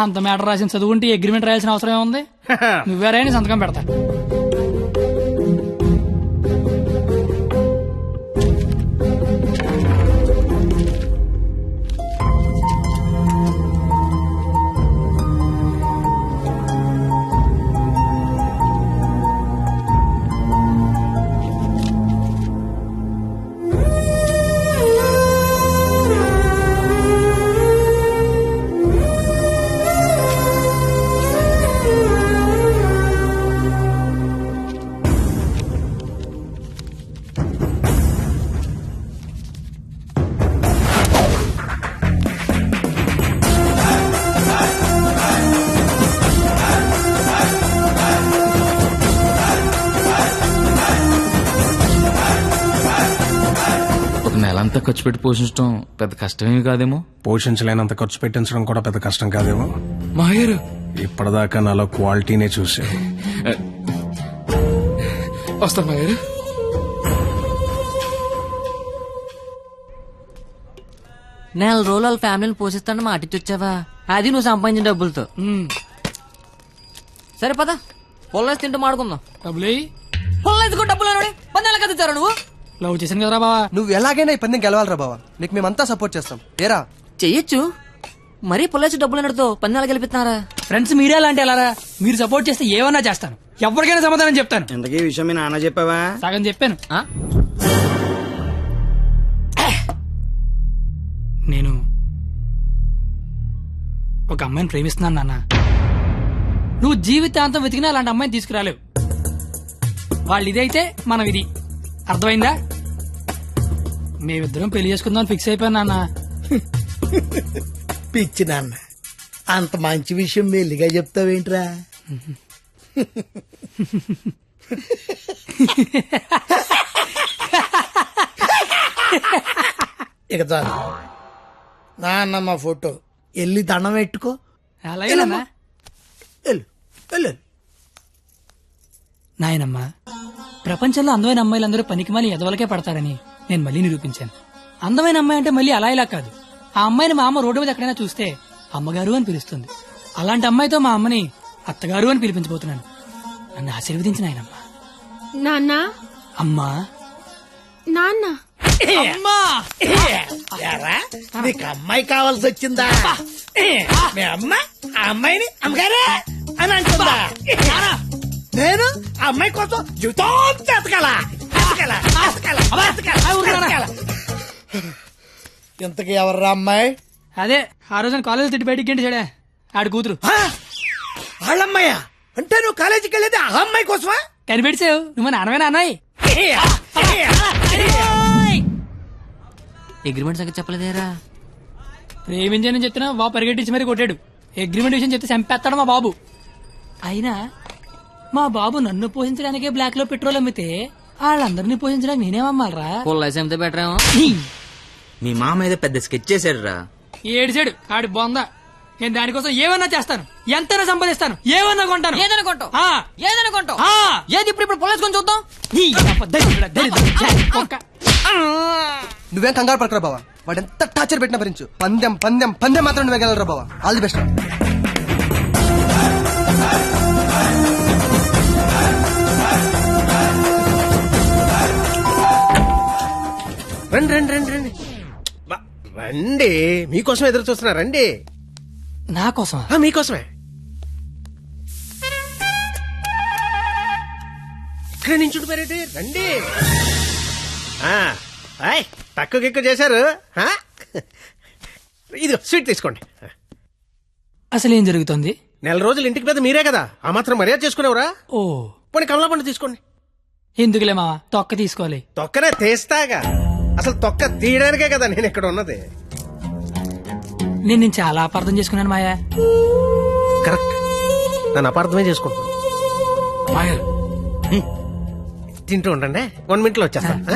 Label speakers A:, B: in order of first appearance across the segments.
A: అంత మ్యాటర్ రాసిన చదువుకుంటే అగ్రిమెంట్ రాయాల్సిన అవసరం ఏముంది? నువ్వేరా సంతకం పెడతా.
B: నెలంతా ఖర్చు పెట్టి పోషించడం పెద్ద కష్టమేమి కాదేమో.
C: పోషించలేనంత ఖర్చు పెట్టించడం కూడా పెద్ద కష్టం కాదేమో.
B: మాయర్
C: ఇప్పటిదాకా నాలో క్వాలిటీనే చూసా.
B: వస్తాను మాయర్.
D: నెల రోజులు వాళ్ళ ఫ్యామిలీని పోషిస్తాను మాటిచ్చొచ్చావా? అది నువ్వు సంపాదించిన డబ్బులతో. సరే పద, పొల్లేసి తింటూ మాడుకుందాం.
A: డబ్బులు
D: పొల్లేసుకో డబ్బులు పన్నెల కదా ఇచ్చారా నువ్వు?
A: లవ్ చేశాను కదరా బావా.
E: నువ్వు ఎలాగైనా ఈ పందెం గెలవాలరా బావా. నీకు మేమంతా సపోర్ట్ చేస్తాం. ఏరా
D: చెయ్యొచ్చు, మరీ పొల్లేసి డబ్బులు అన్నట్టుతో పన్నెల గెలిపిస్తున్నారా?
A: ఫ్రెండ్స్ మీరే అలాంటి అలారా. మీరు సపోర్ట్ చేస్తే ఏమన్నా చేస్తాను, ఎవరికైనా సమాధానం చెప్తాను.
F: ఇంతకీ ఈ విషయం మీ నాన్న చెప్పావా?
A: సగం చెప్పాను. నేను ఒక అమ్మాయిని ప్రేమిస్తున్నాను నాన్న. నువ్వు జీవితాంతం వెతికినా అలాంటి అమ్మాయిని తీసుకురాలేవు. వాళ్ళు ఇదైతే మనం ఇది. అర్థమైందా? మేమిద్దరం పెళ్లి చేసుకుందాం ఫిక్స్ అయిపోయాను నాన్న.
G: పిచ్చి నాన్న, అంత మంచి విషయం మెల్లిగా చెప్తావేంట్రా? ఇక చాలు నాన్నమ్మ ఫోటో వెళ్ళి దండం పెట్టుకో.
A: అలాగే నాన్న.
G: వెళ్ళు వెళ్ళు.
A: నాయనమ్మా, ప్రపంచంలో అందమైన అమ్మాయిలందరూ పనికిమాలి ఎదవలకే పడతారని నేను మళ్ళీ నిరూపించాను. అందమైన అమ్మాయి అంటే మళ్ళీ అలా ఇలా కాదు. ఆ అమ్మాయిని మా అమ్మ రోడ్డు మీద ఎక్కడైనా చూస్తే అమ్మగారు అని పిలుస్తుంది. అలాంటి అమ్మాయితో మా అమ్మని అత్తగారు అని పిలిపించబోతున్నాను. నన్ను ఆశీర్వదించిన ఆయనమ్మా.
H: నాన్న,
A: అమ్మా,
H: నాన్న,
A: అమ్మా.
G: ఏరా, నీకు అమ్మాయి కావాల్సి వచ్చిందా? మీ అమ్మ ఆ అమ్మాయిని అమ్మగారే అని అంటుందా? నేను ఆ అమ్మాయి కోసం జీవితం ఎతకాలా? ఇంతకీ ఎవర్రా అమ్మాయి?
A: అదే ఆ రోజున కాలేజ్ తిట్టి బయటికి గంటి చెడే ఆడి కూతురు.
G: వాళ్ళమ్మాయా? అంటే నువ్వు కాలేజీకి వెళ్ళేది ఆ అమ్మాయి కోసమా?
A: కనిపెడిసావు నువ్వు మా నాన్నమే నాన్నయ్య.
D: అగ్రిమెంట్ సంగతి చెప్పలేదేరా?
A: ప్రేమించానని చెప్తున్నా బాబు పరిగెట్టించి మరీ కొట్టాడు. అగ్రిమెంట్ విషయం చెప్తే చంపేస్తాడు మా బాబు. అయినా మా బాబు నన్ను పోషించడానికే బ్లాక్ లో పెట్రోల్ అమ్మితే వాళ్ళందరినీ పోషించడానికి నేనేమమ్మాలరా?
D: పొల్లేసి అమ్మితే బెటర్ ఏమో.
F: మీ మామ ఏదో పెద్ద స్కెచ్ చేశాడు రా.
A: ఏడిచాడు ఆడి బొందా. నేను దానికోసం ఏమన్నా చేస్తాను, ఎంతైనా సంపాదిస్తాను, ఏమన్నా కొంటాను.
D: ఏదైనా కొంటావు?
A: ఆ.
D: ఏదైనా కొంటావు?
A: ఆ.
D: ఏది ఇప్పుడు పొల్లేసుకొని చూద్దాం.
E: నువ్వేం కంగారు పడకరా బావా. వాడు ఎంత టార్చర్ పెట్టినా భరించు. పందెం పందెం పందెం మాత్రం నువ్వే గెలవరా బావా. All the best.
I: రండి రండి రండి రండి రండి. మీకోసం ఎదురు చూస్తున్నా. రండి.
A: నా కోసం?
I: మీకోసమే. ఇక్కడ నుంచి ఉండిపోయారేంటి? రండి. తక్కువ ఎక్కువ చేశారు. ఇది స్వీట్ తీసుకోండి.
A: అసలు ఏం జరుగుతుంది?
I: నెల రోజులు ఇంటికి పెద్ద మీరే కదా, ఆ మాత్రం మర్యాద చేసుకునేవరా?
A: ఓ
I: పోనీ కమలా పండు తీసుకోండి.
A: ఎందుకులే మావా, తొక్క తీసుకోవాలి.
I: తొక్కనే తీస్తాగా. అసలు తొక్క తీయడానికే కదా నేను ఇక్కడ ఉన్నది.
A: నేను చాలా అపార్థం చేసుకున్నాను మాయా.
I: కరెక్ట్, నన్ను అపార్థమే చేసుకుంటున్నాను.
B: మాయర్
I: తింటూ ఉండండి, 1 minute లో వచ్చేస్తా.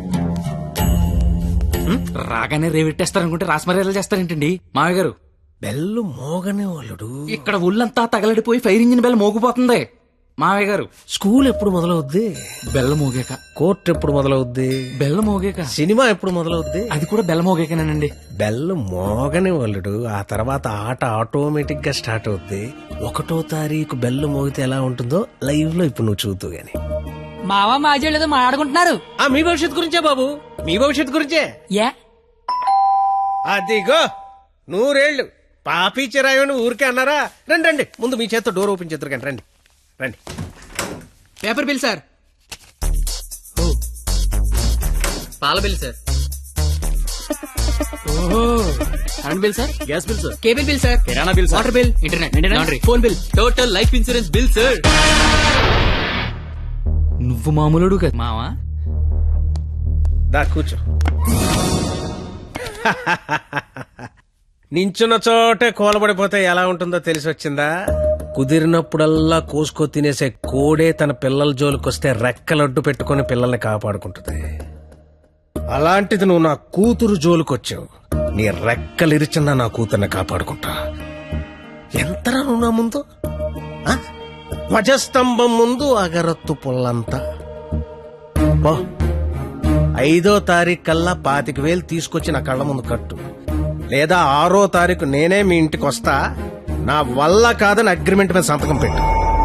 B: రాగానే రేవిట్టేస్తారనుకుంటే రాస్మర్యాలు చేస్తారేంటండి మామయ్య గారు?
I: బెల్లు మోగనే వాళ్ళుడు.
B: ఇక్కడ ఒళ్ళంతా తగలడిపోయి ఫైర్ ఇంజిన్ బెల్ మోగిపోతుంది. మావయ్య గారు
I: స్కూల్ ఎప్పుడు మొదలవుద్ది?
B: బెల్ల మోగాక.
I: కోర్టు ఎప్పుడు మొదలవుద్ది?
B: బెల్ల మోగాక.
I: సినిమా ఎప్పుడు మొదలవుద్ది?
B: అది కూడా బెల్ల మోగాకనేనండి.
I: బెల్ మోగని వాళ్ళుడు, ఆ తర్వాత ఆట ఆటోమేటిక్ గా స్టార్ట్ అవుద్ది. 1వ తారీఖు బెల్ మోగితే ఎలా ఉంటుందో లైవ్ లో ఇప్పుడు నువ్వు చూద్దు గాని.
A: మావా మాజీ ఏదో మాట్లాడుకుంటున్నారు.
I: మీ భవిష్యత్తు గురించే బాబు, మీ భవిష్యత్తు గురించే.
A: ఏ
I: అదిగో 100 ఏళ్ళు పాపి చిరాయని ఊరికే అన్నారా? రండి రండి, ముందు మీ చేత్తో డోర్ ఓపెన్ చేద్దరు కానీ రండి రండి.
D: Paper bill sir. పాల బిల్ సార్.
A: ఓహో,
D: current bill sir. Gas bill sir. Cable bill sir. కిరాణా bill. Water bill. Internet. Laundry. Phone bill. Total life insurance bill sir.
B: నువ్వు మామూలుడు కదా
D: మావా.
I: దా కూర్చో. నించున్న చోటే కూలబడిపోతే ఎలా ఉంటుందో తెలిసి వచ్చిందా? కుదిరినప్పుడల్లా కోసుకో తినేసే కోడే తన పిల్లల జోలికొస్తే రెక్కలడ్డు పెట్టుకుని పిల్లల్ని కాపాడుకుంటుంది. అలాంటిది నువ్వు నా కూతురు జోలికొచ్చావు. నీ రెక్కలిరిచినా నా కూతుర్ని కాపాడుకుంటా. ఎంతరా నువ్వు నా ముందు? ఆ? ధ్వజస్తంభం ముందు అగరత్తు పుల్లంతా. 5వ తారీఖు కల్లా 25,000 తీసుకొచ్చి నా కళ్ళ ముందు కట్టు, లేదా 6వ తారీఖు నేనే మీ ఇంటికి వస్తా. నా వల్ల కాదని అగ్రిమెంట్ మీద సంతకం పెట్టు.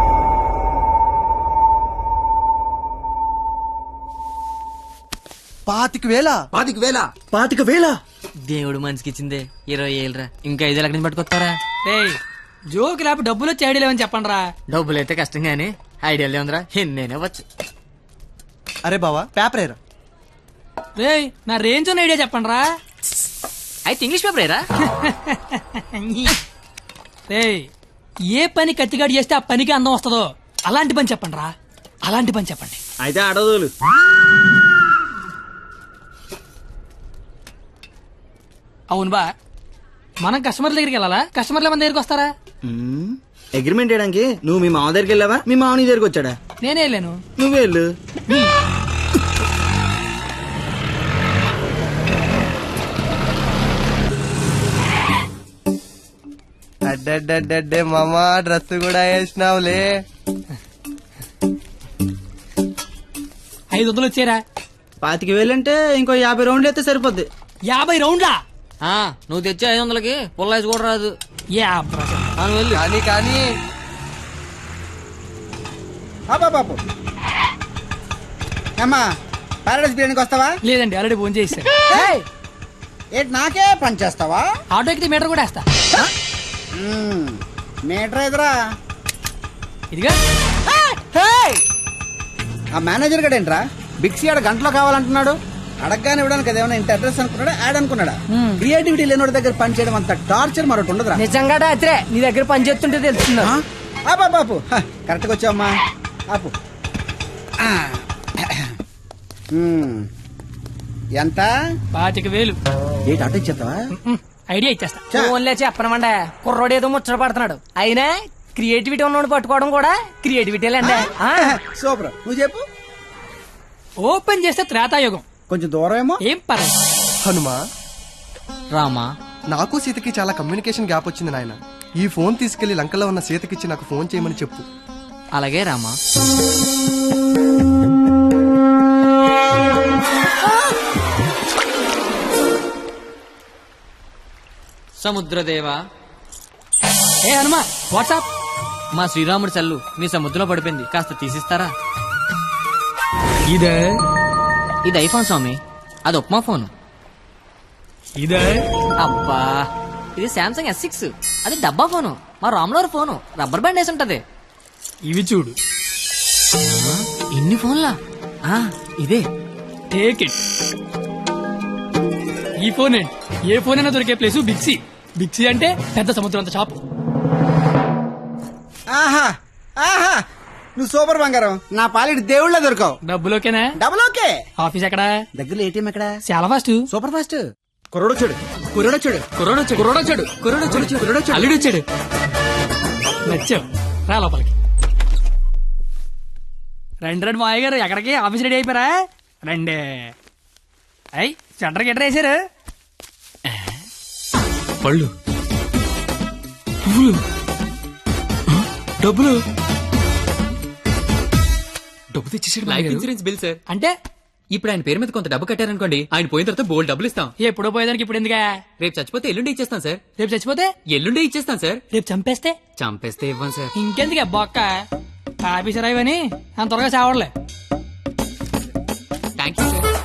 E: పాతిక వేల
D: దేవుడు మనిషికి ఇచ్చిందే 20 ఏళ్ళరా. ఇంకా 5 ఎక్కడి నుంచి పట్టుకొస్తారా?
A: రేయ్ జోక్ లేకపోతే డబ్బులు వచ్చి ఐడియా లేవని చెప్పండి రా.
D: డబ్బులు అయితే కష్టం గానీ ఐడియాలే ఉందిరా. నేనే వచ్చు.
E: అరే బావా పేపర్ ఏరా.
A: రేయ్ నా రేంజ్ ఉన్న ఐడియా చెప్పండి రా.
D: అయితే ఇంగ్లీష్ పేపర్ ఏరా.
A: రేయ్ ఏ పని కత్తిగాడు చేస్తే ఆ పనికి అందం వస్తుందో అలాంటి పని చెప్పండి రా. అలాంటి పని చెప్పండి.
F: అయితే అడదులు.
A: అవును బా, మనం కస్టమర్ల దగ్గరికి వెళ్ళాలా? కస్టమర్ల మన దగ్గరికి వస్తారా?
F: అగ్రిమెంట్ చేయడానికి నువ్వు మీ మామ దగ్గరికి వెళ్ళావా, మీ మామ నీ దగ్గరికి వచ్చాడా?
A: నేనే వెళ్ళాను.
F: నువ్వే వెళ్ళు.
E: అడ్డే మామా డ్రెస్ కూడా వేసినావులే.
A: 500 వచ్చారా?
F: 25,000 అంటే ఇంకో 50 రౌండ్లు అయితే సరిపోద్ది.
A: 50 రౌండ్లా?
D: నువ్వు తెచ్చే 500కి పుల్లాయిస్ కూడా రాదు. వెళ్ళు.
E: కానీ కానీ
G: బాబు అమ్మా పారాడైస్ బిర్యానీకి వస్తావా?
A: లేదండి, ఆల్రెడీ ఫోన్ చేశారు.
G: ఏంటి నాకే పని చేస్తావా?
A: ఆటో ఎక్కితే మీటర్ కూడా వేస్తా.
G: మీటర్ ఎదురా.
A: ఇదిగా
G: ఆ మేనేజర్ గడు ఏంట్రా బిక్సీ ఆడ గంటలో కావాలంటున్నాడు. అడగగానే ఇవ్వడానికి అదేమన్నా ఇంత అడ్రస్ అనుకున్నాడా, యాడ్ అనుకున్నాడా? క్రియేటివిటీ లేనివాడి దగ్గర పని చేయడం అంత టార్చర్ మరొకటి ఉండదురా.
A: నిజంగా రాత్రే నీ దగ్గర పని చేస్తుంటే తెలుస్తుందా?
G: బాపు కరెక్ట్గా వచ్చావమ్మా. ఆపు. ఎంత?
A: 25,000.
G: ఏంటి అటు ఇచ్చేస్తావా?
A: ఐడియా ఇచ్చేస్తా.
J: ఓన్లే చెప్పనమండ కుర్రోడు ఏదో ముచ్చట పడుతున్నాడు. అయినా క్రియేటివిటీ ఉన్నోడు పట్టుకోవడం కూడా క్రియేటివిటీలండి.
G: సూపర్, నువ్వు చెప్పు.
A: ఓపెన్ చేస్తే త్రేతాయుగం.
G: కొంచెం దూరం ఏమో.
A: ఏం పర్లేదు.
E: హనుమా
D: రామా,
E: నాకు సీతకి చాలా కమ్యూనికేషన్ గ్యాప్ వచ్చింది నాయన. ఈ ఫోన్ తీసుకెళ్లి లంకలో ఉన్న సీతకిచ్చి నాకు ఫోన్ చేయమని చెప్పు.
D: అలాగే రామా. సముద్రదేవా.
A: ఏ హనుమా, వాట్సాప్.
D: మా శ్రీరాముడి సెల్లు మీ సముద్రంలో పడిపోయింది, కాస్త తీసిస్తారా?
A: ఇదే
D: ఇది ఐఫోన్ స్వామి, అది ఉప్మా ఫోన్.
A: ఇదే
D: అబ్బా, ఇది శాంసంగ్ S6, అది డబ్బా ఫోను. మా రామ్లోర్ ఫోను రబ్బర్ బ్యాండ్ వేసి ఉంటది.
A: ఇవి చూడు.
D: ఇన్ని ఫోన్లా? ఇదే.
A: Take it. ఈ ఫోన్ ఏంటి? ఏ ఫోన్ అయినా దొరికే ప్లేసు బిక్సీ. బిక్సీ అంటే పెద్ద సముద్రం అంత షాప్.
G: ఆహా ఆహా, నువ్వు సూపర్ బంగారం. నా పాలిటి దేవుళ్ళ దొరకవు.
A: డబ్బులు ఓకేనా?
G: Double okay.
A: ఆఫీస్ ఎక్కడా?
G: దగ్గరలో ఏటీఎం ఎక్కడ?
A: చాలా ఫాస్ట్.
G: Super fast.
F: కుర్రోడొచ్చాడు.
A: అల్లుడు వచ్చాడు. నచ్చావు, రా లోపలికి. రండి మాయ గారు, ఎక్కడికి? ఆఫీస్ రెడీ అయిపోయారా? రండి. అయ్యి సెంటర్ గిట్టర్ వేసారు.
B: పళ్ళు, పువ్వులు, డబ్బులు. డబ్బు తెచ్చేసాడు
D: లైఫ్ ఇన్సూరెన్స్ బిల్ సార్.
A: అంటే
D: ఇప్పుడు ఆయన పేరు మీద కొంత డబ్బు కట్టారనుకోండి, ఆయన పోయిన తర్వాత బోల్డ్ డబ్బులు ఇస్తాం.
A: ఎప్పుడో పోయేదానికి ఇప్పుడు ఎందుకా?
D: రేపు చచ్చిపోతే ఎల్లుండి ఇచ్చేస్తాం సార్.
A: రేపు చచ్చిపోతే
D: ఎల్లుండి ఇచ్చేస్తాం సార్.
A: రేపు చంపేస్తే
D: చంపేస్తే ఇవ్వం సార్.
A: ఇంకెందుకు బొక్క ఆఫీసర్ అయ్యని అంత త్వరగా చావడలే.
D: Thank you sir.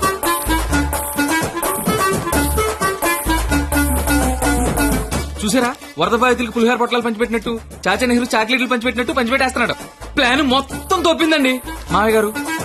B: చూసారా, వరద బాధితులకు పులిహార పొట్లాలు పంచిపెట్టినట్టు చాచా నెహ్రూ చాక్లెట్లు పంచిపెట్టినట్టు పంచిపెట్టేస్తున్నాడు. ప్లాన్ మొత్తం తోపిందండి. మామయ్య గారు